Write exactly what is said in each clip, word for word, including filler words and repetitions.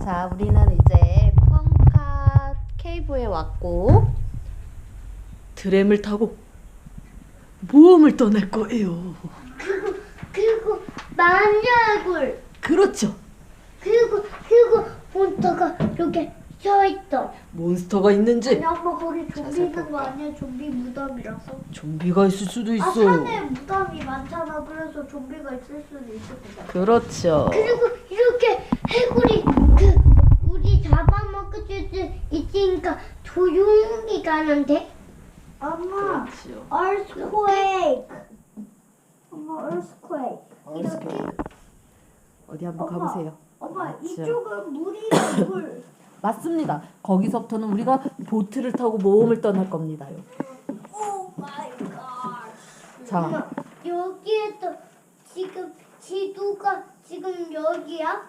자, 우리는 이제 펑카 케이브에 왔고 드램을 타고 모험을 떠날 거예요. 그리고 그리고 마녀얼굴. 그렇죠. 그리고 그리고 몬스터가 이렇게 서 있어. 몬스터가 있는지. 아니 엄마 거기 좀비 자세히 있는 거 볼까? 아니야? 좀비 무덤이라서. 좀비가 있을 수도 아 있어요. 산에 무덤이 많잖아. 그래서 좀비가 있을 수도 있을 거다. 그렇죠. 그리고 이렇게 해골이 그 우리 잡아먹을 수 있으니까 조용히 가면 돼? 엄마, 그렇죠. earthquake. 엄마, earthquake. 이렇게? 어디 한번 엄마, 가보세요. 엄마, 맞죠. 이쪽은 물이랑 물. 맞습니다. 거기서부터는 우리가 보트를 타고 모험을 떠날 겁니다요. 오 마이 갓. 자, 엄마, 여기에서 지금 지도가 지금 여기야?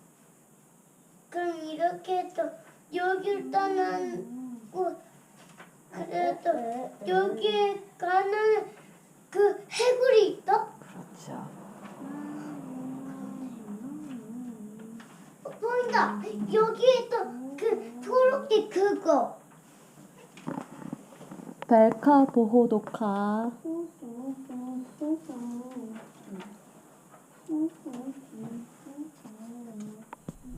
그럼 이렇게 해서 여기를 떠나고 그래서 여기에 가는 그 해골이 있어? 그렇죠. 어, 보인다. 여기에서 그 초록색 그거. 벨카 보호도카. 오